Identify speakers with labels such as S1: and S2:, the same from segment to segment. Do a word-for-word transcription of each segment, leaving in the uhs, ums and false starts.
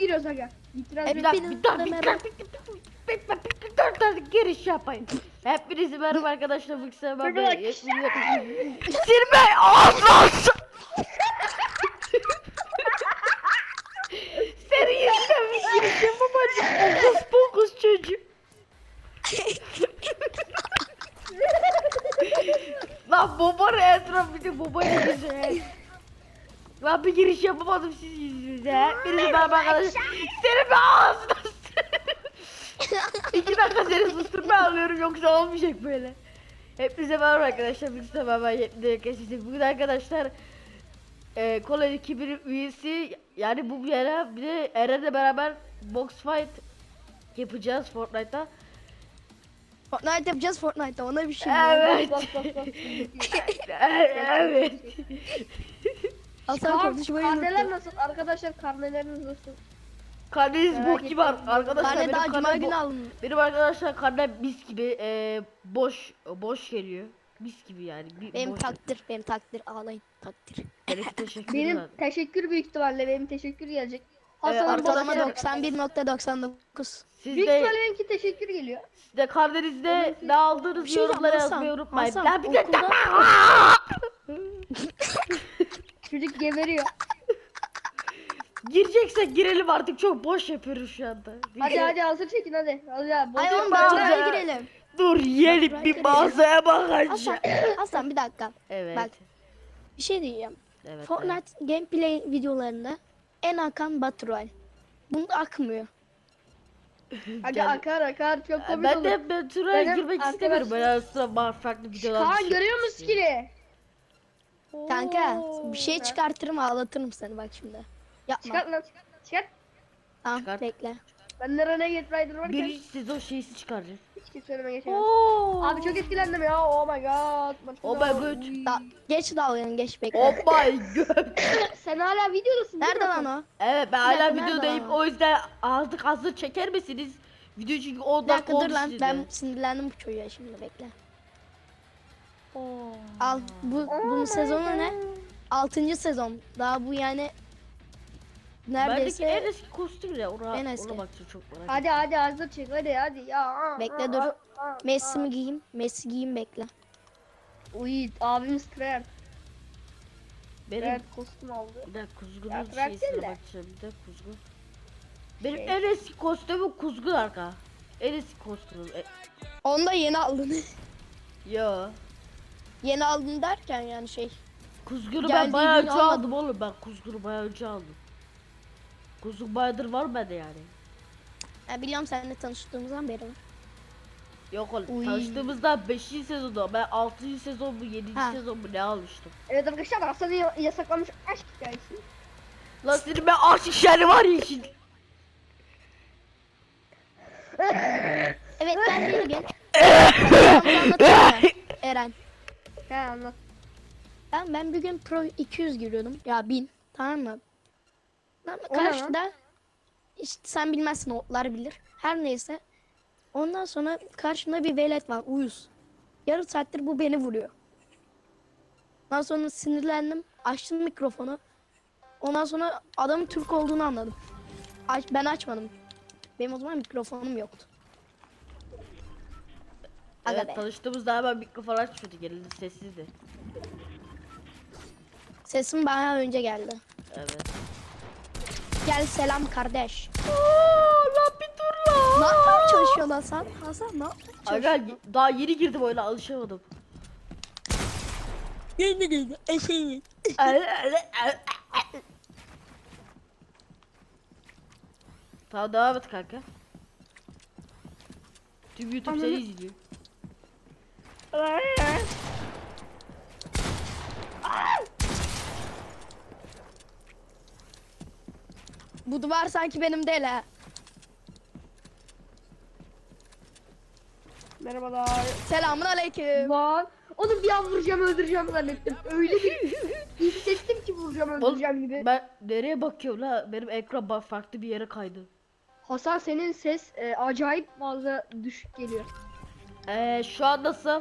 S1: giriyoruz aga. İtiraz
S2: Hep
S1: bir
S2: bir
S1: dakika.
S2: dakika, bir dakika, bir dakika, bir dakika, giriş yapayım. Hepinizi merhaba arkadaşlar, bu kısa ben ben Sirme ağzına Senin yüzünden bir giriş yapamadım. Okus pokus çocuk. Lan babanın etrafı bir de babayla güzel. Lan bir giriş yapamadım siz yüzünüze. Hepinizi merhaba arkadaşlar. Senin bir ağzına İki dakika seni susturma alıyorum, yoksa olmayacak böyle. Hepinize merhaba arkadaşlar. Bir kısa merhaba yetmedi. Bugün arkadaşlar e, Kola ekibinin üyesi, yani bu bir ara bir de Eren'le beraber box fight yapacağız Fortnite'ta.
S3: Fortnite yapacağız Fortnite'da, ona bir şey
S2: Evet.
S1: Bak bak bak.
S2: Evet.
S3: Hasan konuşmayı
S1: Karneler
S3: unuttu.
S1: nasıl? Arkadaşlar karneleriniz nasıl?
S2: Karneniz
S1: Merak
S2: bok gibi
S1: ettim.
S2: arkadaşlar.
S3: Karne
S2: Benim
S3: daha cuma
S2: karnem
S3: günü
S2: bo-
S3: alın.
S2: benim arkadaşlar karnem mis gibi e, boş boş geliyor. Mis gibi yani. Bir,
S3: Benim
S2: boş.
S3: takdir, benim takdir, ağlayın takdir.
S2: Benimki teşekkür
S1: Benim
S2: ederim.
S1: teşekkür büyük ihtimalle benim teşekkür gelecek.
S2: Ee,
S1: Hasan'ın
S3: Ortalama
S2: Arkadaşlar-
S3: doksan bir nokta doksan dokuz.
S2: Siz
S1: Büyük
S2: de
S1: ihtimalle benimki teşekkür geliyor.
S2: siz de karnenizde ne aldığınız
S3: Bir şey
S2: yorumlara
S3: diyeceğim,
S2: yazmayı
S3: Hasan,
S2: unutmayın.
S3: Hasan,
S2: Ya bir de
S3: okulda-
S1: Çocuk geberiyor.
S2: Gireceksek girelim artık, çok boş yapıyoruz şu anda.
S1: Hadi hadi hazır çekin hadi. Hadi hadi.
S3: Ay
S1: Bozuyor
S3: oğlum
S1: bak.
S2: ben-
S3: Baturay'a girelim.
S2: Dur yiyelim
S3: Bak,
S2: bir
S3: bak,
S2: mağazaya bakacağım.
S3: Hasan, Hasan bir dakika.
S2: Evet.
S3: Bak, bir şey diyeceğim.
S2: Evet. evet.
S3: Fortnite gameplay videolarında en akan Baturay. Bunda akmıyor.
S1: Aga
S2: Gel-
S1: akar akar çok komik
S2: Ben
S1: olur.
S2: de ben Turay'a
S1: Benim
S2: girmek istemiyorum. Ben
S1: arkadaşım-
S2: aslında farklı videolar
S1: Kaan
S2: düşün-
S1: görüyor musun skill'i?
S3: Kanka
S2: Oo.
S3: bir şey çıkartırım, ağlatırım seni bak şimdi. Yapma.
S1: Çıkart lan. Çıkart.
S3: Tamam
S2: Çıkart.
S3: bekle.
S1: Bende Renegade Rider varken
S2: Birinci sezon şeysi çıkaracağız.
S1: hiç kimse önüme geçemez.
S2: Oo.
S1: Abi çok etkilendim ya. Oh my god.
S2: Oh my god.
S3: Da geç dalganı, geç bekle.
S2: Oh my god.
S1: Sen hala videodasın değil
S3: Nerede
S1: mi?
S3: lan o?
S2: Evet, ben
S3: dakika,
S2: hala
S3: nerede
S2: videodayım,
S3: o?
S2: o yüzden artık hazır çeker misiniz? Video çünkü on
S3: Bir
S2: dakika
S3: dakika dur
S2: olmuş
S3: lan,
S2: size.
S3: ben sinirlendim bu çocuğa, şimdi bekle.
S2: Oo.
S3: Al bu bunun sezonu ne? altıncı sezon. Daha bu yani
S2: Bendeki
S3: neredeyse
S2: en eski kostüm ya, ona,
S3: En eski.
S2: ona bakacağım, çok merak ettim.
S1: Hadi hadi hazır çek hadi hadi ya.
S3: Bekle, dur. Messi mi giyeyim? Messi giyeyim bekle.
S1: Uy abimiz trend.
S2: Benim
S1: Trend kostüm aldı.
S2: bir dakika
S1: Ya,
S2: kuzgunun
S1: bırak
S2: şeysine
S1: sen de.
S2: bakacağım, bir dakika kuzgun. Benim
S1: Şey.
S2: en eski kostümüm kuzgun arka. En eski kostümüm. E,
S3: Onu da yeni aldın.
S2: yo.
S3: Yeni aldın derken yani şey.
S2: Kuzgunu ben
S3: Geldiği
S2: bayağı
S3: gün
S2: önce
S3: almadım.
S2: aldım oğlum, ben kuzgunu bayağı önce aldım. Kuzgun bayağıdır var bende yani.
S3: Ya biliyorum seninle tanıştığımızdan beri.
S2: Yok oğlum,
S3: Uy.
S2: tanıştığımızda beşinci sezonda, ben altıncı sezon mu yedinci
S3: Ha.
S2: sezon mu ne almıştım.
S1: Evet arkadaşlar Hasan'ı ya- yasaklamış aşk hikayesi.
S2: Lan senin ben aşk işleri var ya şimdi.
S3: Evet ben de bugün. Anlatayım mı? Eren.
S1: He anlat.
S3: Ben ben bir gün Pro iki yüz giriyordum. Ya bin. Tamam mı? Tamam,
S1: O ne lan?
S3: karşıda işte sen bilmezsin, otlar bilir. Her neyse. Ondan sonra karşımda bir velet var, uyuz. Yarım saattir bu beni vuruyor. Ondan sonra sinirlendim. Açtım mikrofonu. Ondan sonra adamın Türk olduğunu anladım. Aç, ben açmadım. Benim o zaman mikrofonum yoktu. Aga
S2: Evet,
S3: be.
S2: tanıştığımızda hemen mikrofon açmıyordu, geldi sessizdi.
S3: Sesim bayağı önce geldi.
S2: Evet.
S3: Gel selam kardeş.
S2: Ooo lan bir dur
S3: Ne
S2: lan.
S3: yapmaya çalışıyorsun Hasan? Hasan ne yapmaya
S2: Aga
S3: çalışıyorsun?
S2: daha yeni girdim oyuna, alışamadım.
S3: Yeni geldi. Eşeği.
S2: Tamam, devam et kanka. Tüm YouTube seni izliyor.
S3: Bu duvar sanki benim değil ha.
S1: Merhabalar.
S3: Selamun aleyküm.
S1: Lan. Oğlum bir an vuracağım öldüreceğim zannettim. Öyle bir hissettim ki vuracağım öldüreceğim gibi.
S2: Ben nereye bakıyorum la? Benim ekran bak farklı bir yere kaydı.
S1: Hasan senin ses e, acayip fazla düşük geliyor.
S2: Eee şu an nasıl?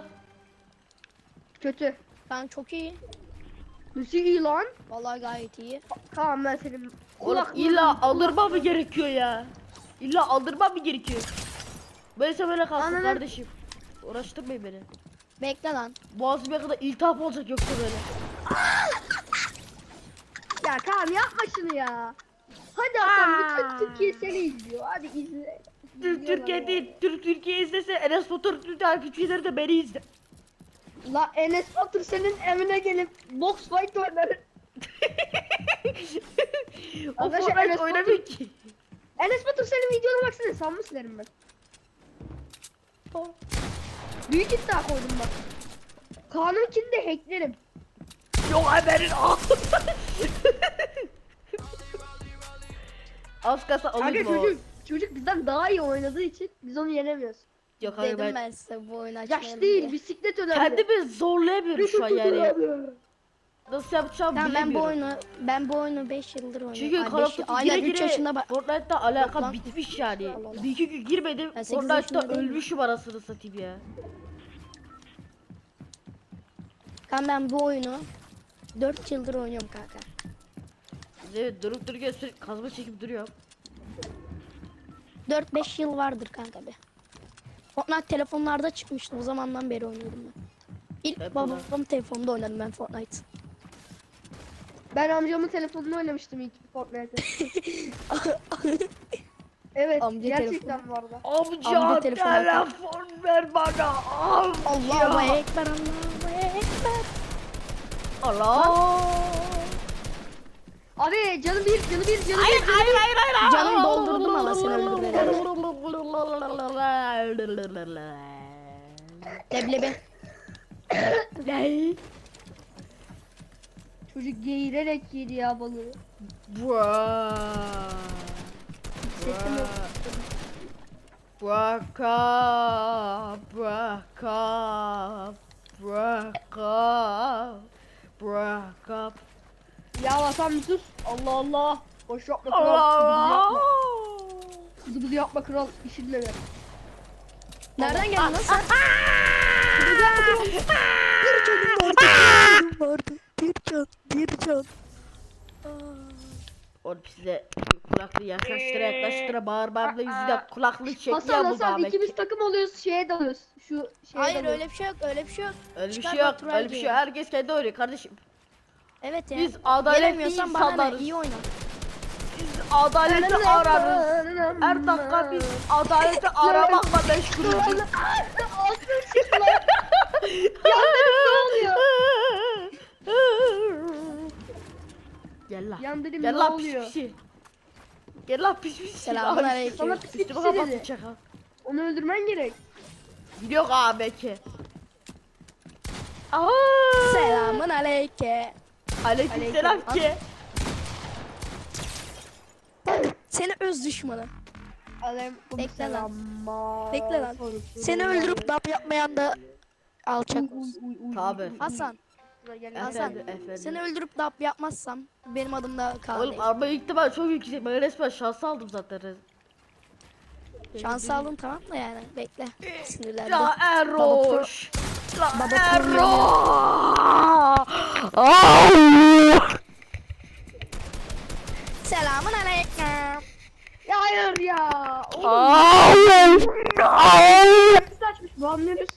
S1: Kötü.
S3: Ben çok iyi.
S1: Nasıl iyi lan?
S3: Vallahi gayet iyi.
S1: Tamam ben senin
S2: Oğlum
S1: Kulaklığı-
S2: illa aldırma mı gerekiyor ya? İlla aldırma mı gerekiyor? Böylese böyle kalsın
S1: Ananı-
S2: kardeşim. Uğraştırmayın beni.
S3: Bekle lan.
S2: Boğazıma kadar iltihap olacak yoksa böyle.
S1: Ya Kaan yapma şunu ya. Hadi Hasan bütün Türkiye seni izliyor. Hadi izle.
S2: Türk
S1: İzliyorlar
S2: Türkiye
S1: ya.
S2: değil, Türk Türkiye izlese Enes Batur Türk takipçileri de beni izle.
S1: La Enes Batur senin evine gelip box fight oynar.
S2: O
S1: Arkadaşlar,
S2: Fortnite
S1: Enes
S2: oynamıyor
S1: Batur-
S2: ki.
S1: Enes Batur senin videona baksana sanma silerim ben. Büyük iddia koydum bak. Kaan'ınkini de hacklerim.
S2: Yok haberin al. Az kasa
S1: Kanka
S2: alayım o.
S1: çocuk, çocuk bizden daha iyi oynadığı için biz onu yenemiyoruz.
S2: Yok hayır
S3: Dedim
S2: ben,
S3: ben size bu oyunu açmayalım
S1: Yaş değil
S3: diye.
S1: bisiklet önemli.
S2: kendimi zorlayamıyorum şu an yani. Nasıl yapacağım
S3: Tamam, ben bu
S2: bilemiyorum.
S3: oyunu ben bu oyunu beş yıldır oynuyorum.
S2: Çünkü
S3: Ay,
S2: Call of
S3: beş-
S2: Duty
S3: aynen
S2: gire
S3: üç yaşında
S2: gire
S3: bak.
S2: Fortnite'da alaka
S3: lan.
S2: bitmiş yani.
S3: Allah Allah.
S2: Bir iki gün girmedim
S3: Ben sekiz
S2: Fortnite'da
S3: yaşında değilim.
S2: ölmüşüm arasını satayım ya.
S3: Kan ben bu oyunu dört yıldır oynuyorum kanka.
S2: Evet durup dururken sürekli kazma çekip duruyor.
S3: dört beş yıl vardır kanka be. Fortnite telefonlarda çıkmıştı, o zamandan beri oynuyorum ben. İlk
S2: Hep
S3: babamın telefonunda oynadım ben Fortnite.
S1: Ben amcamın telefonunu oynamıştım ilk Fortnite'ı. Evet
S3: Amca
S1: gerçekten bu arada.
S2: Amca,
S3: Amca telefon
S2: telefon ver bana. Amca.
S3: Allahu ekber, Allahu ekber.
S2: Allah.
S1: Abi canı bir canı bir canı
S2: Hayır
S1: bir.
S2: hayır hayır hayır.
S3: Canım doldurdum ama seni öldürmeden. Leblebi.
S2: Ne?
S1: Çocuk geğirerek yedi ya balığı.
S2: Buaa.
S1: Hissettim yok.
S2: Bıaka, bıaka, bıaka, bıaka.
S1: Ya Hasan bir sus. Allah Allah. Boş yapma kral.
S2: Allah.
S1: Bıdı bıdı yapma kral. İşinle ver.
S3: Nereden geldin lan sen?
S1: Bıdı yapma kral.
S3: Bir canım vardı, bir canım vardı. Bir can, bir can.
S2: Oğlum size kulaklığı yaklaştıra yaklaştıra bağırmamla yüzünden kulaklığı çekiyor
S1: Hasan
S2: bu
S1: Hasan
S2: Ahmet.
S1: ikimiz takım oluyoruz. Şeye dalıyoruz. Şu şeye
S3: Hayır
S1: dalıyoruz.
S3: öyle bir şey yok, öyle bir şey yok.
S2: Öyle bir
S3: Çıkar
S2: şey yok,
S3: bak,
S2: öyle bir şey yok. Herkes kendi oynuyor kardeşim.
S3: Evet ya.
S2: Biz adaletli
S3: Gelemiyorsan bana ne,
S2: insanlarız.
S3: iyi oyna.
S2: Biz adaleti ararız. Her dakika biz adaleti aramakla meşgulüz.
S1: Ağzını sıçtı lan. Yandırım ne oluyor?
S2: Gel lan.
S1: Yandırım
S2: Gel
S1: ne
S2: lan pis
S1: oluyor?
S2: pisi. Gel lan pis pisi.
S3: Selamünaleyküm.
S1: Sana pis
S2: Üstüme
S1: pisi
S2: kapattın
S1: dedi.
S2: çakal.
S1: Onu öldürmen gerek.
S2: Yok abi belki. Aa!
S3: Selamun aleyke.
S2: Aleykümselam
S3: Aleyküm.
S2: ki.
S3: Seni öz düşmanı.
S1: Aleyküm
S3: Bekle lan.
S1: selam.
S3: Bekle lan. Seni öldürüp dap yapmayan da alçak olsun.
S2: Tabi.
S3: Hasan, Hasan.
S2: Efendim, efendim.
S3: Seni öldürüp dap yapmazsam benim adım da Kaan
S2: Oğlum
S3: değil.
S2: araba ihtimal çok yüksek. Ben resmen şans aldım zaten.
S3: Şans aldım tamam da yani. Bekle. Sinirlendim.
S2: Ya Erroş. La
S3: Baba
S2: Erroş.
S3: Selamun aleyküm.
S1: Ya hayır ya. Oğlum
S2: Hayır.
S1: biz açmış bu anlıyoruz.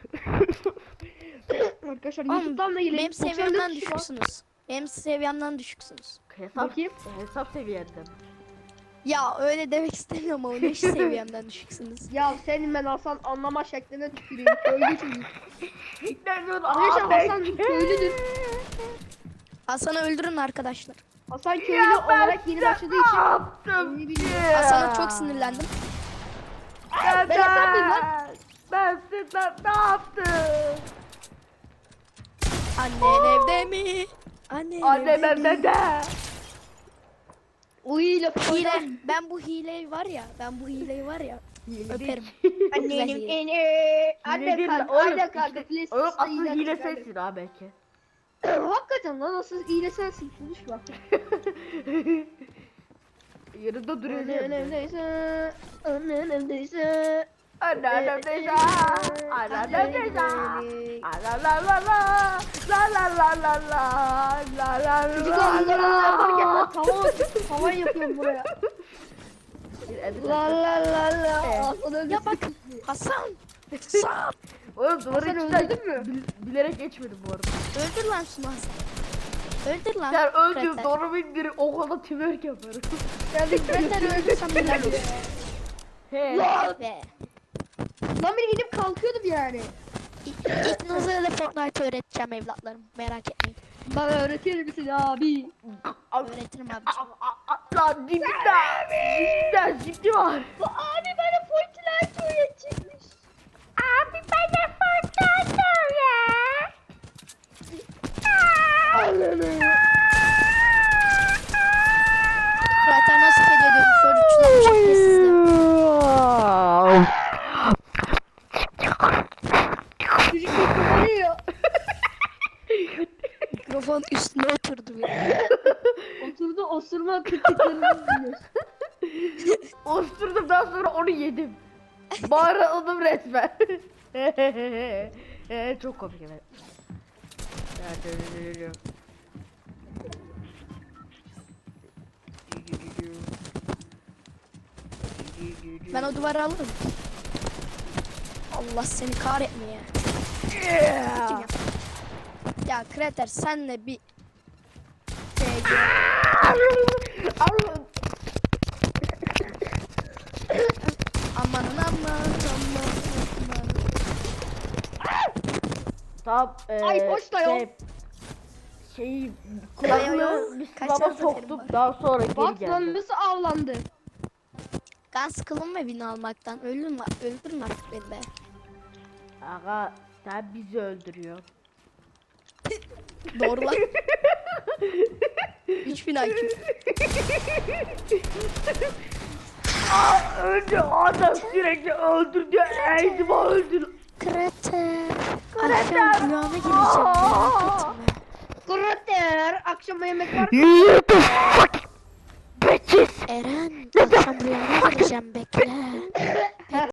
S1: Arkadaşlar YouTube'dan da gelin.
S3: Benim
S1: doksan dört
S3: seviyemden
S1: kişi var.
S3: düşüksünüz. Benim seviyemden düşüksünüz.
S2: Hesap,
S1: Bakayım.
S2: hesap seviyenden.
S3: Ya öyle demek istemiyorum ama ne seviyemden düşüksünüz.
S1: Ya senin ben Hasan anlama şekline tüküreyim. Köylü çocuk.
S2: Ne diyorsun
S1: Arkadaşlar
S2: abi?
S1: Hasan köylüdür.
S3: Hasan'ı öldürün arkadaşlar.
S1: Hasan köylü
S2: Ya ben
S1: olarak yeni başladığı
S2: Ne
S1: için.
S2: yaptım
S1: Öyle
S2: ki?
S1: bir-
S3: Hasan'a çok sinirlendim.
S2: Neden?
S1: Ben Hasan mıyım lan?
S2: Ben sizden ne yaptım?
S3: Annen evde mi? Annen
S2: Annem
S3: evde mi?
S2: evde de.
S1: Uy lafı
S3: Hile.
S1: koydum.
S3: Ben bu hileyi var ya. Ben bu hileyi var ya. Öperim.
S1: Annenin
S3: Güzel hile.
S1: eni.
S2: Hile
S1: Anne
S2: değil
S1: kanka.
S2: lan, oğlum,
S1: Anne kanka.
S2: işte-
S1: please,
S2: Oğlum
S1: sus,
S2: asıl
S1: iyiler
S2: hile
S1: çıkardı.
S2: sensin ha belki.
S1: Hakikaten lan asıl hile sensin. Konuşma.
S2: Yanında duruyor
S1: Annen
S2: evde.
S1: evdeyse. Annen evdeyse.
S2: Annem evde. Annem evde. La la la la la la la la la la la
S1: Çocuk
S2: la
S1: anneler
S2: la.
S1: yaparken lan tamam. Havan yapıyorum buraya.
S2: Bir edit
S1: La la la la.
S2: Evet.
S1: Hasan öldü.
S3: Ya bak Hasan. Hasan.
S2: Oğlum duvarın
S1: Hasan
S2: içinden
S1: öldürdün mü?
S2: bil- bilerek geçmedim bu arada.
S3: Öldür lan şunu Hasan. Öldür lan.
S2: Sen öldüm
S3: Krater.
S2: doğru bindirir o kadar twerk yaparım.
S1: Geldik.
S3: Krater öldürsem neler olur?
S2: He.
S1: Lan.
S3: Be.
S1: Lan biri gidip kalkıyordum yani.
S3: İkinize de Fortnite öğreteceğim evlatlarım. Merak etmeyin.
S1: Bana öğretir misin abi?
S3: Öğretirim abiciğim.
S2: Lan dibimde. Dibimde ciddi var.
S1: Bu abi bana Fortnite öğretecekmiş.
S2: Abi bana Fortnite öğret.
S3: Krater nasıl kedi ediyormuş? Şöyle uçlamış şekilsizdi.
S1: Çocuk kullanıyor.
S3: Mikrofon üstüne oturdu ya.
S1: Oturdu osurma kırtıklarını yiyor.
S2: Osturdum daha sonra onu yedim. Bağırdım resmen. Çok komik evet.
S3: Ben o duvarı alırım. Allah seni kahretmeye. Kim yaptı? Ya Krater senle bir şey amanın aman aman aman.
S2: Tamam eee
S1: Ay, boş da yok.
S2: şey, şeyi
S3: Yok,
S2: kulaklığı
S3: yok.
S2: bir
S3: Kaç
S2: sınava
S3: tane seferim
S2: soktum
S3: var?
S2: daha sonra geri
S1: Bak lan
S2: geldim.
S1: nasıl avlandı.
S3: Ben sıkıldım evini almaktan. Öldürün, öldürün artık beni be.
S2: Aga sen bizi öldürüyor.
S3: Doğru lan. üç bin I Q.
S2: Aa, öldü adam sürekli öldür diyor eğitimi öldür.
S3: Krater. Akşam rüyana gireceğim. Merak etme.
S1: Krater akşama yemek var.
S2: You the fuck bitches.
S3: Eren akşam rüyana gireceğim bekle.